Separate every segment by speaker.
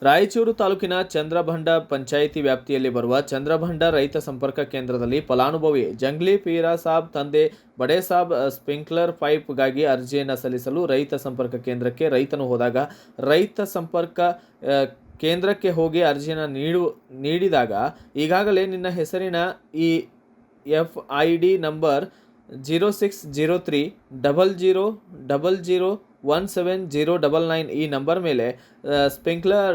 Speaker 1: ರಾಯಚೂರು ತಾಲೂಕಿನ ಚಂದ್ರಭಂಡ ಪಂಚಾಯಿತಿ ವ್ಯಾಪ್ತಿಯಲ್ಲಿ ಬರುವ ಚಂದ್ರಭಂಡ ರೈತ ಸಂಪರ್ಕ ಕೇಂದ್ರದಲ್ಲಿ ಫಲಾನುಭವಿ ಜಂಗ್ಲಿ ಪೀರಾ ಸಾಬ್ ತಂದೆ ಬಡೆ ಸಾಬ್ ಸ್ಪ್ರಿಂಕ್ಲರ್ ಪೈಪ್ಗಾಗಿ ಅರ್ಜಿಯನ್ನು ಸಲ್ಲಿಸಲು ರೈತ ಸಂಪರ್ಕ ಕೇಂದ್ರಕ್ಕೆ ರೈತನು ಹೋದಾಗ ರೈತ ಸಂಪರ್ಕ ಕೇಂದ್ರಕ್ಕೆ ಹೋಗಿ ಅರ್ಜಿಯನ್ನು ನೀಡಿದಾಗ ಈಗಾಗಲೇ ನಿನ್ನ ಹೆಸರಿನ ಈ FID ನಂಬರ್ 060300001799 ಈ ನಂಬರ್ ಮೇಲೆ ಸ್ಪ್ರಿಂಕ್ಲರ್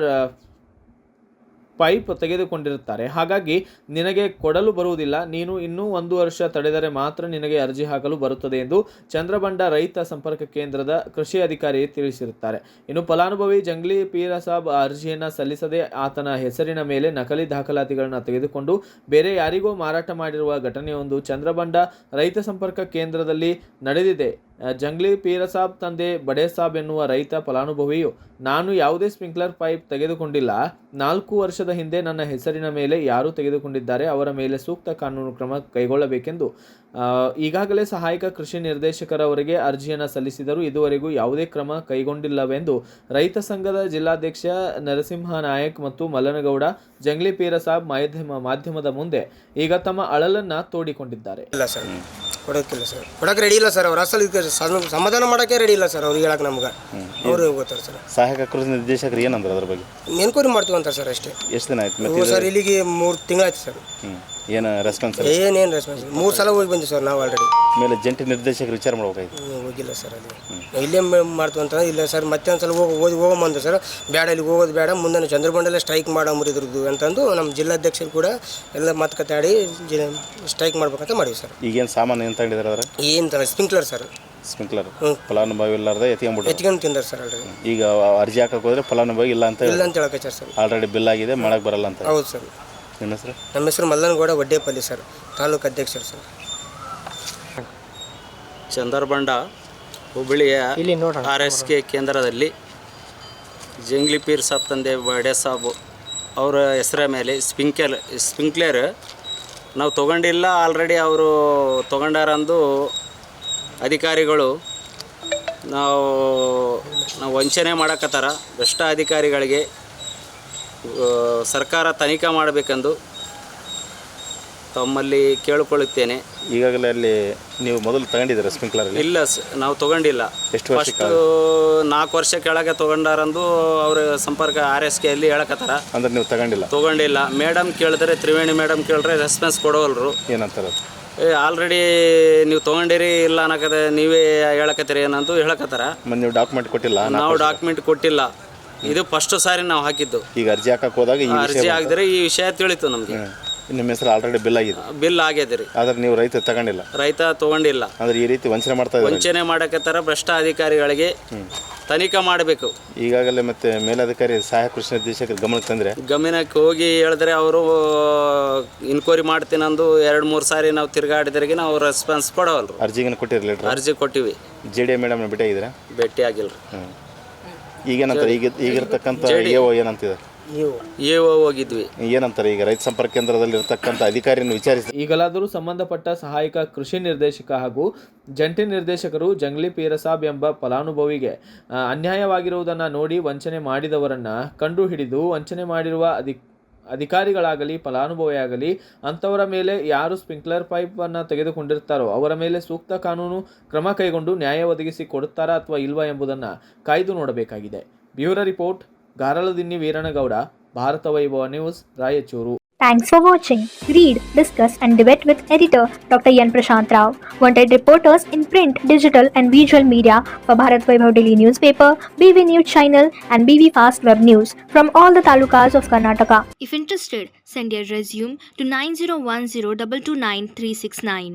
Speaker 1: ಪೈಪ್ ತೆಗೆದುಕೊಂಡಿರುತ್ತಾರೆ. ಹಾಗಾಗಿ ನಿನಗೆ ಕೊಡಲು ಬರುವುದಿಲ್ಲ. ನೀನು ಇನ್ನೂ 1 ವರ್ಷ ತಡೆದರೆ ಮಾತ್ರ ನಿನಗೆ ಅರ್ಜಿ ಹಾಕಲು ಬರುತ್ತದೆ ಎಂದು ಚಂದ್ರಬಂಡ ರೈತ ಸಂಪರ್ಕ ಕೇಂದ್ರದ ಕೃಷಿ ಅಧಿಕಾರಿ ತಿಳಿಸಿರುತ್ತಾರೆ. ಇನ್ನು ಫಲಾನುಭವಿ ಜಂಗ್ಲಿ ಪೀರಸಾಬ್ ಅರ್ಜಿಯನ್ನು ಸಲ್ಲಿಸದೆ ಆತನ ಹೆಸರಿನ ಮೇಲೆ ನಕಲಿ ದಾಖಲಾತಿಗಳನ್ನು ತೆಗೆದುಕೊಂಡು ಬೇರೆ ಯಾರಿಗೋ ಮಾರಾಟ ಮಾಡಿರುವ ಘಟನೆಯೊಂದು ಚಂದ್ರಬಂಡ ರೈತ ಸಂಪರ್ಕ ಕೇಂದ್ರದಲ್ಲಿ ನಡೆದಿದೆ. ಜಂಗ್ಲಿ ಪೀರಸಾಬ್ ತಂದೆ ಬಡೆ ಸಾಬ್ ಎನ್ನುವ ರೈತ ಫಲಾನುಭವಿಯು ನಾನು ಯಾವುದೇ ಸ್ಪ್ರಿಂಕ್ಲರ್ ಪೈಪ್ ತೆಗೆದುಕೊಂಡಿಲ್ಲ. 4 ವರ್ಷದ ಹಿಂದೆ ನನ್ನ ಹೆಸರಿನ ಮೇಲೆ ಯಾರು ತೆಗೆದುಕೊಂಡಿದ್ದಾರೆ ಅವರ ಮೇಲೆ ಸೂಕ್ತ ಕಾನೂನು ಕ್ರಮ ಕೈಗೊಳ್ಳಬೇಕೆಂದು ಈಗಾಗಲೇ ಸಹಾಯಕ ಕೃಷಿ ನಿರ್ದೇಶಕರವರಿಗೆ ಅರ್ಜಿಯನ್ನು ಸಲ್ಲಿಸಿದರೂ ಇದುವರೆಗೂ ಯಾವುದೇ ಕ್ರಮ ಕೈಗೊಂಡಿಲ್ಲವೆಂದು ರೈತ ಸಂಘದ ಜಿಲ್ಲಾಧ್ಯಕ್ಷ ನರಸಿಂಹ ನಾಯಕ್ ಮತ್ತು ಮಲ್ಲನಗೌಡ ಜಂಗ್ಲಿ ಪೀರಸಾಬ್ ಮಾಧ್ಯಮದ ಮುಂದೆ ಈಗ ತಮ್ಮ ಅಳಲನ್ನು ತೋಡಿಕೊಂಡಿದ್ದಾರೆ.
Speaker 2: ಕೊಡೋಕ್ಕಿಲ್ಲ ಸರ್, ಕೊಡೋಕೆ ರೆಡಿ ಇಲ್ಲ ಸರ್. ಅವ್ರು ಅಸಲು ಸಮಾಧಾನ ಮಾಡೋಕ್ಕೆ ರೆಡಿ ಇಲ್ಲ ಸರ್. ಅವ್ರಿಗೆ ಹೇಳಕ್ಕೆ ನಮ್ಗೆ ಅವ್ರು ಗೊತ್ತಾರೆ ಸರ್.
Speaker 3: ಸಹಾಯಕ ಕೃಷಿ ನಿರ್ದೇಶಕರು ಏನಂದ್ರೆ ಅದ್ರ ಬಗ್ಗೆ
Speaker 2: ಎನ್ಕ್ವೈರಿ ಮಾಡ್ತೀವಿ ಅಂತಾರೆ ಸರ್ ಅಷ್ಟೇ.
Speaker 3: ಎಷ್ಟು ದಿನ ಆಯ್ತು
Speaker 2: ಸರ್? ಇಲ್ಲಿಗೆ 3 ತಿಂಗಳಾಯ್ತು ಸರ್.
Speaker 3: ಏನು ರೆಸ್ಪಾನ್ಸ್?
Speaker 2: ಏನೇನು ರೆಸ್ಪಾನ್ಸ್? 3 ಸಲ ಹೋಗಿ ಬಂದಿವಿ ಸರ್ ನಾವು ಆಲ್ರೆಡಿ.
Speaker 3: ಮೇಲೆ ಜಂಟಿ ನಿರ್ದೇಶಕರು ವಿಚಾರ ಮಾಡ್ಬೇಕಾಯ್ತು.
Speaker 2: ಹೋಗಿಲ್ಲ ಸರ್. ಅಲ್ಲಿ ಇಲ್ಲೇ ಮಾಡ್ತೀವಿ ಅಂತ ಇಲ್ಲ ಸರ್. ಮತ್ತೆ ಒಂದು ಸಲ ಹೋಗಂಬಂದು ಸರ್. ಬೇಡ, ಇಲ್ಲಿ ಹೋಗೋದು ಬೇಡ, ಮುಂದೆ ಚಂದ್ರಬಂಡಲ್ಲೇ ಸ್ಟ್ರೈಕ್ ಮಾಡಂಬರಿದ್ರದ್ದು ಅಂತಂದು ನಮ್ಮ ಜಿಲ್ಲಾಧ್ಯಕ್ಷರು ಕೂಡ ಎಲ್ಲ ಮಾತುಕತೆ ಆಡಿ ಸ್ಟ್ರೈಕ್ ಮಾಡ್ಬೇಕಂತ ಮಾಡಿವಿ ಸರ್.
Speaker 3: ಈಗೇನು ಸಾಮಾನು ಏನು ತಗೊಂಡಿದ್ದಾರೆ ಅದ್ರ?
Speaker 2: ಏನು ತರ ಸ್ಪ್ರಿಂಕ್ಲರ್ ಸರ್.
Speaker 3: ಸ್ಪ್ರಿಂಕ್ಲರ್ ಫಲಾನುಭವಿ ಇಲ್ಲಾರ್ದೆ
Speaker 2: ಎತ್ಕೊಂಡು ತಿಂದಾರೆ ಸರ್ ಆಲ್ರೆಡಿ.
Speaker 3: ಈಗ ಅರ್ಜಿ ಹಾಕಕ್ಕೆ ಹೋದ್ರೆ ಫಲಾನುಭವಿ ಇಲ್ಲ ಅಂತ
Speaker 2: ಹೇಳಕ್ಕೆ ಸರ್.
Speaker 3: ಆಲ್ರೆಡಿ ಬಿಲ್ ಆಗಿದೆ, ಮಾಡಕ್ಕೆ ಬರಲ್ಲ ಅಂತ.
Speaker 2: ಹೌದು ಸರ್.
Speaker 3: ನಿಮ್ಮ ಹೆಸರು?
Speaker 2: ನಮ್ಮ ಹೆಸರು ಮಲ್ಲನಗೌಡ ವಡ್ಡೇಪಲ್ಲಿ ಸರ್, ತಾಲೂಕು ಅಧ್ಯಕ್ಷರು ಸರ್.
Speaker 4: ಚಂದ್ರಬಂಡ ಹುಬ್ಬಳ್ಳಿಯ RSK ಕೇಂದ್ರದಲ್ಲಿ ಜಂಗ್ಲಿ ಪೀರ್ ಸಾಬ್ ತಂದೆ ಬಡೆ ಸಾಬ್ ಅವರ ಹೆಸರ ಮೇಲೆ ಸ್ಪ್ರಿಂಕ್ಲರ್ ನಾವು ತೊಗೊಂಡಿಲ್ಲ. ಆಲ್ರೆಡಿ ಅವರು ತೊಗೊಂಡಾರಂದು ಅಧಿಕಾರಿಗಳು ನಾವು ವಂಚನೆ ಮಾಡಕತ್ತಾರ. ಭ್ರಷ್ಟ ಅಧಿಕಾರಿಗಳಿಗೆ ಸರ್ಕಾರ ತನಿಖೆ ಮಾಡಬೇಕೆಂದು ತಮ್ಮಲ್ಲಿ ಕೇಳಿಕೊಳ್ಳುತ್ತೇನೆ.
Speaker 3: ಈಗಾಗಲೇ ಅಲ್ಲಿ ನೀವು ಮೊದಲು ತಗೊಂಡಿದ್ದೀರಾ ಸ್ಪ್ರಿಂಕ್ಲರ್?
Speaker 4: ಇಲ್ಲ, ನಾವು ತೊಗೊಂಡಿಲ್ಲ.
Speaker 3: ಎಷ್ಟು ವರ್ಷ?
Speaker 4: 4 ವರ್ಷ ಕೆಳಗೆ ತೊಗೊಂಡಾರಂದು ಅವ್ರ ಸಂಪರ್ಕ RSKಯಲ್ಲಿ ಹೇಳಕತ್ತಾರ.
Speaker 3: ಅಂದ್ರೆ ನೀವು
Speaker 4: ತೊಗೊಂಡಿಲ್ಲ. ಮೇಡಮ್ ಕೇಳಿದ್ರೆ, ತ್ರಿವೇಣಿ ಮೇಡಮ್ ಕೇಳಿದ್ರೆ ರೆಸ್ಪಾನ್ಸ್ ಕೊಡೋಲ್ರು.
Speaker 3: ಏನಂತಾರೆ?
Speaker 4: ಆಲ್ರೆಡಿ ನೀವು ತೊಗೊಂಡಿರಿ ಇಲ್ಲ ಅನ್ನಕತ್ತೆ, ನೀವೇ ಹೇಳಕತ್ತೀರಿ ಏನಂತ ಹೇಳಕತ್ತಾರ.
Speaker 3: ನೀವು ಡಾಕ್ಯುಮೆಂಟ್ ಕೊಟ್ಟಿಲ್ಲ?
Speaker 4: ನಾವು ಡಾಕ್ಯುಮೆಂಟ್ ಕೊಟ್ಟಿಲ್ಲ. ಇದು ಫಸ್ಟ್ ಸಾರಿ ನಾವು ಹಾಕಿದ್ದು.
Speaker 3: ಈಗ ಅರ್ಜಿ ಹಾಕಕ್ಕೆ ಹೋದಾಗ
Speaker 4: ಅರ್ಜಿ ಆಗಿದ್ರೆ ಈ ವಿಷಯ ತಿಳಿತು ನಮಗೆ.
Speaker 3: ನಿಮ್ಮ ಹೆಸರು ಆಲ್ರೆಡಿ ಬಿಲ್ ಆಗಿದೆ?
Speaker 4: ಬಿಲ್ ಆಗ್ಯದ ರೀ.
Speaker 3: ಆದ್ರೆ ನೀವು ರೈತ ತಗೊಂಡಿಲ್ಲ?
Speaker 4: ರೈತ ತೊಗೊಂಡಿಲ್ಲ.
Speaker 3: ಅಂದ್ರೆ ಈ ರೀತಿ ವಂಚನೆ ಮಾಡ್ತಾ ಇದ್ದಾರೆ.
Speaker 4: ವಂಚನೆ ಮಾಡಕತ್ತಾರ. ಭ್ರಷ್ಟ ಅಧಿಕಾರಿಗಳಿಗೆ ತನಿಖೆ ಮಾಡಬೇಕು.
Speaker 3: ಈಗಾಗಲೇ ಮತ್ತೆ ಮೇಲಧಿಕಾರಿ ಸಹಾಯಕ ಕೃಷಿ ನಿರ್ದೇಶಕರು ಗಮನಕ್ಕೆ
Speaker 4: ಹೋಗಿ ಹೇಳಿದ್ರೆ ಅವರು ಇನ್ಕ್ವೈರಿ ಮಾಡ್ತೀನಂದು 2-3 ಸಾರಿ ನಾವು ತಿರುಗಾಡಿದ್ರಿಗೆ ನಾವು ರೆಸ್ಪಾನ್ಸ್ ಕೊಡವಲ್ರು.
Speaker 3: ಅರ್ಜಿಗೆ ಕೊಟ್ಟಿರಲಿಲ್ಲ?
Speaker 4: ಅರ್ಜಿ ಕೊಟ್ಟಿವಿ.
Speaker 3: JDA ಮೇಡಮ್ ಭೇಟಿಯಾಗಿದ್ದೀರಾ?
Speaker 4: ಭೇಟಿ ಆಗಿಲ್ರಿ.
Speaker 3: ಈಗೇನಂತಾರೆ? ಈಗಿರ್ತಕ್ಕಂಥ EO ಏನಂತಿದ್ದಾರೆ?
Speaker 4: EO ಹೋಗಿದ್ವಿ.
Speaker 3: ಏನಂತಾರೆ? ಈಗ ರೈತ ಸಂಪರ್ಕ ಕೇಂದ್ರದಲ್ಲಿ ಇರತಕ್ಕಂಥ ಅಧಿಕಾರಿಯನ್ನು ವಿಚಾರಿಸಿ
Speaker 1: ಈಗಲಾದರೂ ಸಂಬಂಧಪಟ್ಟ ಸಹಾಯಕ ಕೃಷಿ ನಿರ್ದೇಶಕ ಹಾಗೂ ಜಂಟಿ ನಿರ್ದೇಶಕರು ಜಂಗ್ಲಿ ಪೀರಸಾಬ್ ಎಂಬ ಫಲಾನುಭವಿಗೆ ಅನ್ಯಾಯವಾಗಿರುವುದನ್ನು ನೋಡಿ ವಂಚನೆ ಮಾಡಿದವರನ್ನು ಕಂಡುಹಿಡಿದು ವಂಚನೆ ಮಾಡಿರುವ ಅಧಿಕಾರಿಗಳಾಗಲಿ ಫಲಾನುಭವಿಯಾಗಲಿ ಅಂಥವರ ಮೇಲೆ ಯಾರು ಸ್ಪ್ರಿಂಕ್ಲರ್ ಪೈಪನ್ನು ತೆಗೆದುಕೊಂಡಿರ್ತಾರೋ ಅವರ ಮೇಲೆ ಸೂಕ್ತ ಕಾನೂನು ಕ್ರಮ ಕೈಗೊಂಡು ನ್ಯಾಯ ಒದಗಿಸಿ ಕೊಡುತ್ತಾರಾ ಅಥವಾ ಇಲ್ವಾ ಎಂಬುದನ್ನು ಕಾಯ್ದು ನೋಡಬೇಕಾಗಿದೆ. Bureau report, Garaladinni Veeranagouda, Bharat Vaibhav news, Raichur.
Speaker 5: Thanks for watching. Read, discuss and debate with editor Dr. Yan Prashant Rao. Wanted reporters in print, digital and visual media for Bharat Vaibhav Daily Newspaper, BV News Channel and BV Fast Web News from all the talukas of Karnataka.
Speaker 6: If interested, send your resume to 9010229369.